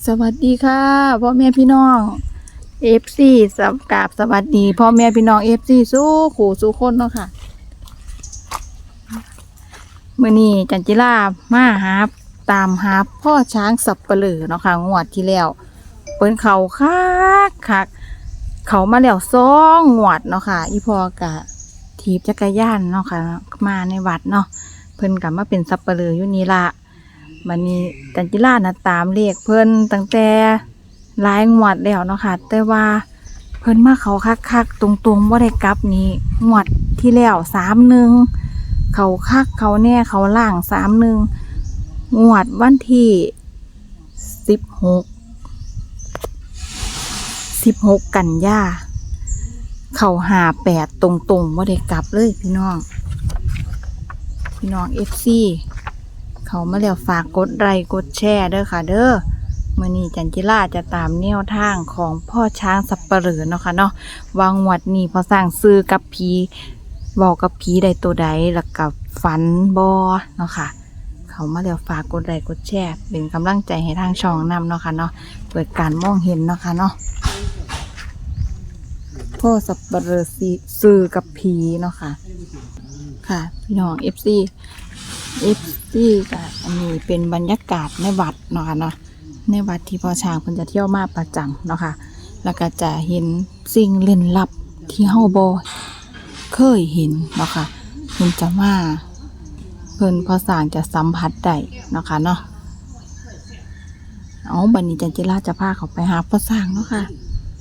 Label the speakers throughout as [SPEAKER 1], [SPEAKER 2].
[SPEAKER 1] สวัสดีค่ะพ่อแม่พี่น้องFC สวัสดีพ่อแม่พี่น้อง FC สู้ขู่สู้คนเนาะค่ะมื้อนี้จันจิรามาตามหาพ่อช้างสับเปลือเนาะค่ะงวดที่แล้วเปิ้นเขาคักเขามาแล้ว2 งวดเนาะค่ะอีพ่อกะถีบจักรยานเนาะค่ะมาในวัดเนาะเพิ่นก็มาเป็นสับเปลืออยู่นี่ละมันนี้จันจิรานะตามเลขเพิ่นตั้งแต่หลายงวดแล้วเนาะค่ะแต่ว่าเพิ่นมาเขาคักตรงๆบ่ได้กลับนี้งวดที่แล้ว31เขาคักเขาแน่เขาล่าง31งวดวันที่16กันยาเขา58ตรงๆบ่ได้กลับเลยพี่น้องFC เขามาแล้วฝากกดไลค์กดแชร์เด้อค่ะเด้อมื้อนี้จันจิราจะตามแนวทางของพ่อช้างสับเปลือเนาะค่ะเนาะวางงวดนี้พอสร้างซื้อกับผีบอกกับผีได้ตัวใดแล้วกับฝันบ่เนาะค่ะเขามาแล้วฝากกดไลค์กดแชร์เป็นกำลังใจให้ทางช่องนำเนาะค่ะเนาะเปิดการมองเห็นเนาะค่ะเนาะพ่อสับเปลือซื้อกับผีเนาะค่ะค่ะพี่น้อง FC ก็อันนี้เป็นบรรยากาศในวัดเนาะค่ะเนาะในวัดที่พ่อช้างเพิ่นจะเที่ยวมาประจำเนาะค่ะแล้วก็จะเห็นสิ่งเล่นลับที่เฮาบ่เคยเห็นเนาะค่ะเพิ่นจะมาเพิ่นพ่อช้างจะสัมผัสได้เนาะค่ะเนาะเอาบัดนี้จันจิราจะพาเขาไปหาพ่อช้างเนาะค่ะ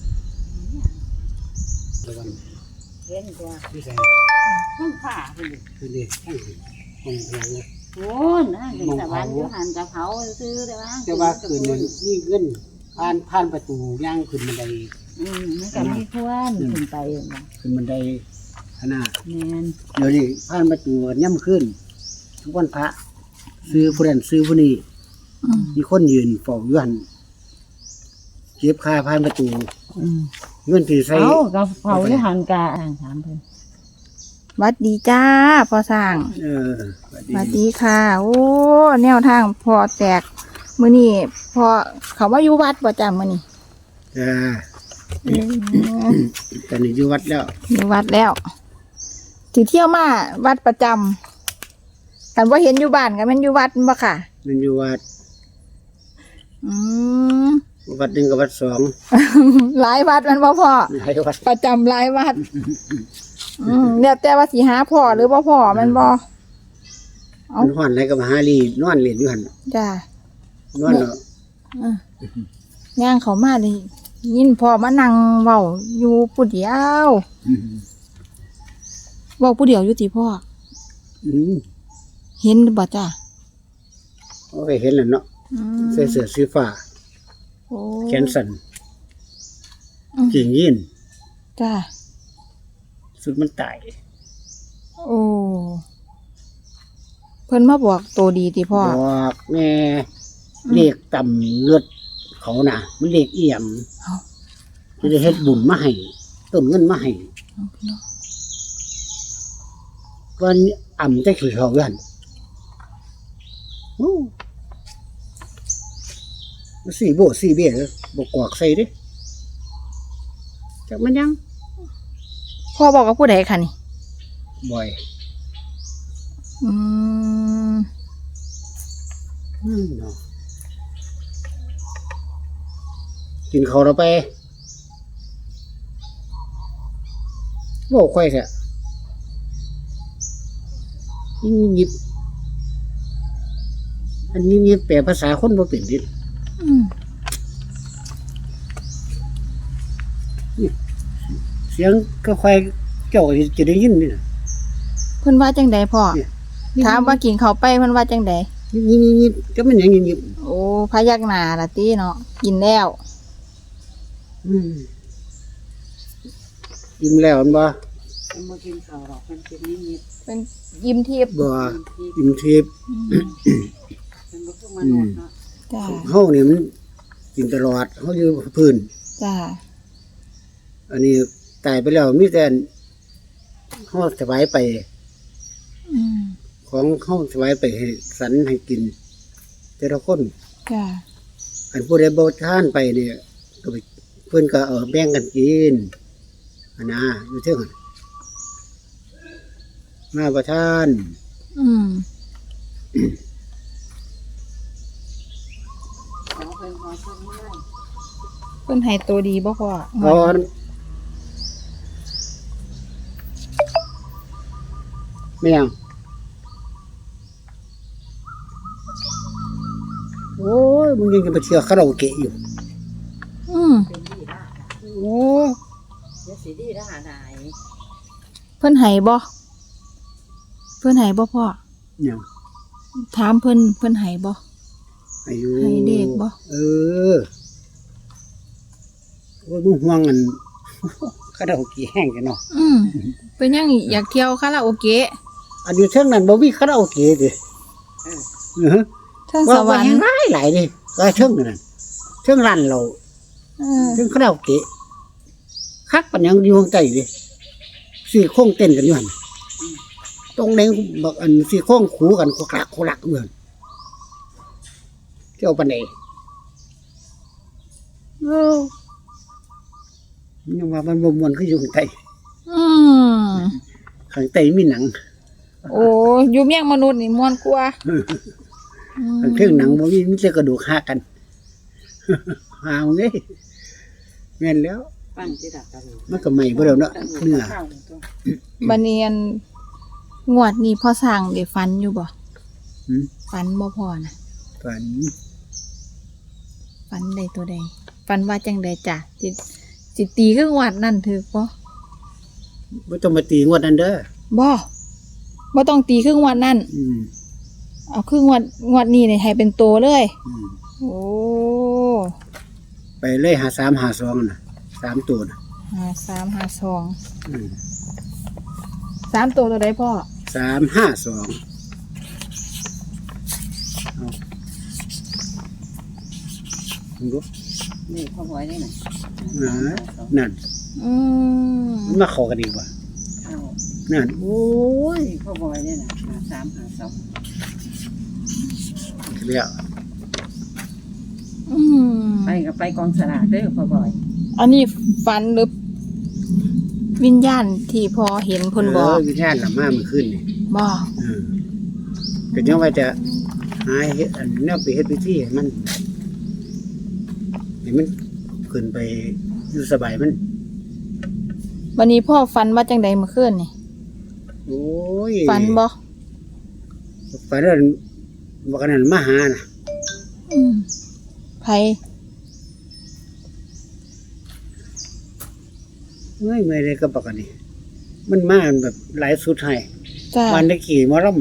[SPEAKER 2] เห็นตัวห้องผ้าคือดิห้องหลังโอ้นะเด็กสวรรค์อยู่หันกับเขาซื้อได้บ้างแต่ว่าคืนนั้นนี่เงินผ่านประตูย่างขึ้นบันไดมันก็มีควรขึ้นไปขึ้นบันไดขนาดแม่นเดี๋ยวนี้ผ่านประตูย่ำขึ้นทุกวันพระซื้อผู้นั้นซื้อผู้นี้มีคนยืนเฝ้าอยู่หันเก็บค่าผ่านประตูเงินที่ใส่กับเฝ้าอยู่หันกะถามเพิ่น
[SPEAKER 1] วัดดีจ้าพ่อช้างสวัสดีค่ะโอ้แนวทางพอแตกมื้อนี้พอเขาว่าอยู่วัดบ่จ้ามื้อนี้
[SPEAKER 2] ตอนนี้อยู่วัดแล้ว
[SPEAKER 1] อยู่วัดแล้วสิเที่ยวมาวัดประจำกันว่าเห็นอยู่บ้านกันมันอยู่วัดบ่ค่ะ
[SPEAKER 2] มันอยู่วัดวัดหนึ่งกับวัดสอง
[SPEAKER 1] หลายวัดมันบ่พ่อ
[SPEAKER 2] หลายวัด
[SPEAKER 1] ประจำหลายวัดเนี่ยแต่ว่าสิหาพ่อหรือบ่พ่อมันบ่
[SPEAKER 2] มันห่อนอะไรกับมหาลีนอนเล่นอยู่หัน
[SPEAKER 1] จ้าน
[SPEAKER 2] อนเนาะ
[SPEAKER 1] ย่างเขามาดิยินพ่อมานั่งเว้าอยู่ผู้เดียวเว้าผู้เดียวอยู่ติพ่อเห็นบ่จ้า
[SPEAKER 2] โอ้ยเห็นแล้วเนาะใส่เสื้อสีฟ้าแขนสั้นกิ่งยีน
[SPEAKER 1] จ้า
[SPEAKER 2] สุดมันตาย
[SPEAKER 1] โอ้เพิ่นมาบอกตัวดีติพ่อ
[SPEAKER 2] บอกแม่เลขต่ำเลือดเขาน่ะมันเลขเอี่ยมจะได้เฮ็ดบุญมาให้ต้นเงินมาให้วันอ่ำจะขี่เขากันสี่โบสี่เบี้ยบกกอกใส่ดิจากมันยัง
[SPEAKER 1] พ่อบอกกับผู้ใดคะนี่
[SPEAKER 2] บ่อยกินเขาเราไปบอกค่อยแค่ยิบอันนี้ยิบแปลภาษาคนบ่เป็นดิเสียงก็ค่อยเจ้าจะได้ยินนี่
[SPEAKER 1] เพิ่นว่าจังใดพ่อถามว่ากินเขาไปเพิ่นว่าจังใด
[SPEAKER 2] ยิบก็มันยังยิบ
[SPEAKER 1] โอ้พยักหน้าล่ะติเนาะกินแล้ว
[SPEAKER 2] ยิ้มแล้วมันบ่
[SPEAKER 3] มากินข้าวหรอกมันเป็นนิด
[SPEAKER 1] เป็นยิ้มทิพย์
[SPEAKER 2] บ่ยิ้มทิพย์
[SPEAKER 3] เป็นบ่คือมนุษย์เนาะ
[SPEAKER 1] จ้า
[SPEAKER 2] เฮานี่มันกินตลอดเฮาอยู่พื้น
[SPEAKER 1] จ้า
[SPEAKER 2] อันนี้ตายไปแล้วมีแต่เฮาสบายไปของเฮาสบายไปให้สันให้กินแต่ละคน
[SPEAKER 1] จ้า
[SPEAKER 2] อันผู้ใดบ่ทานไปเนี่ยก็ไปเพิ่นก็แบ่งกันกินอันนะอยู่เทิงหั่นมาบ่ทาน
[SPEAKER 1] อืม
[SPEAKER 3] ขอเป็นขอส่วนนี้
[SPEAKER 1] เพิ่นให้ตัวดีบ่พ่อ
[SPEAKER 2] ก่อนไม่ยังโอ้ยมึงยังจะไปเที่ยวคาราโอเกะอยู่
[SPEAKER 1] อืม
[SPEAKER 3] เป็นดีละ
[SPEAKER 2] โอ้
[SPEAKER 3] เดี๋ยวสิดีละหาได้
[SPEAKER 1] เพิ่นให้บ่เพิ่นให้บ่พ่อ
[SPEAKER 2] เนี่ยง
[SPEAKER 1] ถามเพิ่นให้บ่
[SPEAKER 2] อายุ
[SPEAKER 1] ให้เด็กบ่
[SPEAKER 2] เออโอ้ยมึงห่วงกัน คาราโอเกะแห้งกันเนาะ
[SPEAKER 1] อืมเป็นยังอยากเที่ยวคาราโอเกะ
[SPEAKER 2] อันอยู่เทิงนั้นบ่มีคาราโอเกะดิเออ
[SPEAKER 1] เทิงส
[SPEAKER 2] ว่าว
[SPEAKER 1] รร
[SPEAKER 2] แห้
[SPEAKER 1] ค์
[SPEAKER 2] งหลายดิก็เทิงนั่นเทิงร้านเรา
[SPEAKER 1] เออ
[SPEAKER 2] เทิงคาราโอเกะคักปัญญังอยู่ข้างใต้ดิสี่โค้งเต้นกันอยู่หั่นตรงเด้งบักอันสี่โค้งขูกันโคลักเหมือนเที่ยวปานใดเอ้ายังว่ามันบ่ม่วนคืออยู่ข้างใต้
[SPEAKER 1] อืม
[SPEAKER 2] ข้างใต้มีหนัง
[SPEAKER 1] โอ้อยู่เมียงมนุษย์นี่ม่วนกว่าอืม
[SPEAKER 2] ข้างเทิงหนังบ่มีแต่กระดูกหักกัน หามึงเอ้ยแม่นแล้ว
[SPEAKER 3] ปั้นที่ดักกัน
[SPEAKER 2] มันก็ใหม่บ่แล้วเนาะเนื้อ
[SPEAKER 3] ข้าวตัว
[SPEAKER 1] บัดนี้อันงวดนี้พ่อสร้างได้ฝันอยู่บ่
[SPEAKER 2] หืม
[SPEAKER 1] ฝันบ่พอนะ
[SPEAKER 2] ฝัน
[SPEAKER 1] ฝันใดตัวใดฝันว่าจังใดจ้ะสิตีคืองวดนั่นถือบ่
[SPEAKER 2] บ่ต้องมาตีงวดนั้นเด้อ
[SPEAKER 1] บ่ต้องตีคืองวดนั่น
[SPEAKER 2] อืม
[SPEAKER 1] เอาคืองวดนี้นี่ให้เป็นโตเลย
[SPEAKER 2] อืม
[SPEAKER 1] โอ้
[SPEAKER 2] ไปเลย53 52น่ะ3ตัวน่ะ
[SPEAKER 1] 5352
[SPEAKER 2] อืม
[SPEAKER 1] 3ตัวตัวใดพ่อ
[SPEAKER 2] 352เอามึงดู
[SPEAKER 3] นี่พ่อไว้ได้ไหน
[SPEAKER 2] นั่น
[SPEAKER 1] อืม
[SPEAKER 2] มันมาเข้ากันอีกว่ะ
[SPEAKER 3] เอา
[SPEAKER 2] นั่น
[SPEAKER 3] โอ้ยพ่อไว้ได้ไหน5352
[SPEAKER 2] แล้ว
[SPEAKER 1] อืม
[SPEAKER 3] ไปก็ไปกองสลากเด้อพ่อบ่อย
[SPEAKER 1] อันนี้ฝันหรือวิญญาณที่พอเห็นเพิ่นบอก
[SPEAKER 2] วิญญาณละมาเมื่อคืนนี่
[SPEAKER 1] บ่
[SPEAKER 2] ก็ยังว่าจะหาเฮ็ดอันแนวไปเฮ็ดพิธีให้มันขึ้นไปอยู่สบายมัน
[SPEAKER 1] วันนี้พ่อฝันว่าจังใดเมื่อคืนนี่
[SPEAKER 2] โอ้ย
[SPEAKER 1] ฝันบ่
[SPEAKER 2] ฝันว่าบ่กันนั้นมาหาน่ะ
[SPEAKER 1] อืมไผ
[SPEAKER 2] เมื่อยเลยก็บอกกันนี่มันมาแบบหลายสุดให้
[SPEAKER 1] จ้า
[SPEAKER 2] วันได้ขี่หมอลำ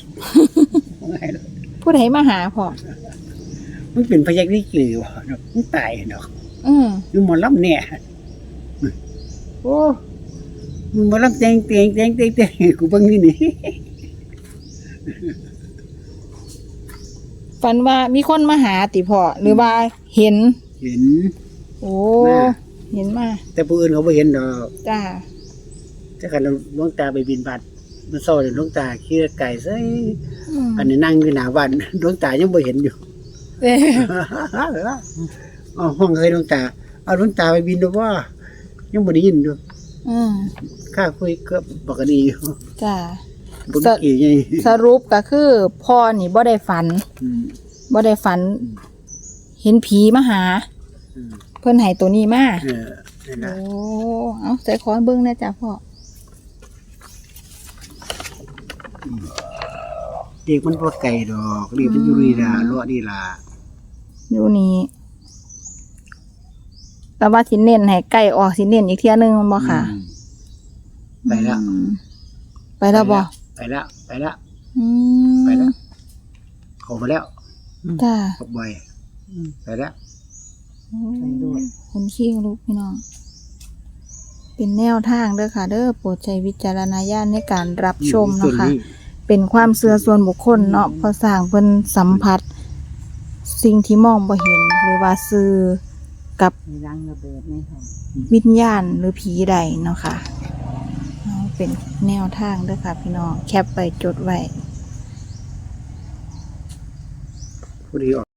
[SPEAKER 1] ผู้ใดมาหาพ่อ
[SPEAKER 2] มันเป็นพยักนี่กี่วะเนาะมันตายเนาะ
[SPEAKER 1] อืม
[SPEAKER 2] อยู่หมอลำเนี่ยโอ้มึงหมอลำเต็งกูเบิ่งนี่นี่
[SPEAKER 1] ฝันว่ามีคนมาหาติพ่อหรือว่าเห็น
[SPEAKER 2] เห็น
[SPEAKER 1] โอ้
[SPEAKER 2] มา
[SPEAKER 1] เห็นมา
[SPEAKER 2] แต่ผู้อื่นเขาบ่เห็นดอก
[SPEAKER 1] จ้า
[SPEAKER 2] ถ้ากันหลวงตาไปบินบาตมันเศร้าเลยหลวงตาขี่ไก่ซะ
[SPEAKER 1] อืม
[SPEAKER 2] อันนี้นั่งอยู่หน้าบ้านหลวงตายังบ่เห็นอยู่
[SPEAKER 1] เอ้ย
[SPEAKER 2] อ๋อห้องเคยหลวงตาเอาหลวงตาไปบินดูว่ายังบ่ได้ยินอยู่
[SPEAKER 1] อืม
[SPEAKER 2] ข้าคุยกับปกติอยู่
[SPEAKER 1] จ้า
[SPEAKER 2] บ่ได้กี่ไง
[SPEAKER 1] สรุปก็คือพ่อนี่บ่ได้ฝัน
[SPEAKER 2] อืม
[SPEAKER 1] บ่ได้ฝัน เห็นผีมาหา
[SPEAKER 2] อืม
[SPEAKER 1] เพิ่นให้ตัวนี้มา
[SPEAKER 2] นั่น
[SPEAKER 1] โอ้
[SPEAKER 2] ล่ะ
[SPEAKER 1] เอาใจขอเบิ่งนะจ๊ะพ่อ
[SPEAKER 2] เด็กมันบ่ไกลดอกเด็กมันอยู่นี่ล่ะเลาะนี่ล่ะ
[SPEAKER 1] อยู่นี่แต่ว่าสิเน้นให้ใกล้ออกสิเน้นอีกเที่ยหนึงแม่นบ่ค่ะ
[SPEAKER 2] อืมไปแล้ว
[SPEAKER 1] อืมไปแล้วบ่
[SPEAKER 2] ไปแล้ว
[SPEAKER 1] อืม
[SPEAKER 2] ไปแล้วเข้ามาแล้ว
[SPEAKER 1] จ้า
[SPEAKER 2] ตกบ่อยไปแล้ว
[SPEAKER 1] คนขี้ลูกพี่น้อง เป็นแนวทางเด้อค่ะ เด้อโปรดใช้วิจารณญาณในการรับชมเนาะค่ะ เป็นความเชื่อส่วนบุคคลเนาะเพอสร้างเพิ่นสัมผัส สิ่งที่มองบ่เห็น หรือว่าสื่อกับ
[SPEAKER 3] มีรังระเบิดในท้อง
[SPEAKER 1] วิญญาณหรือผีใดเนาะค่ะเอาเป็นแนวทางเด้อค่ะ พี่น้องแคปไปจดไว้
[SPEAKER 2] ผู้ดีออก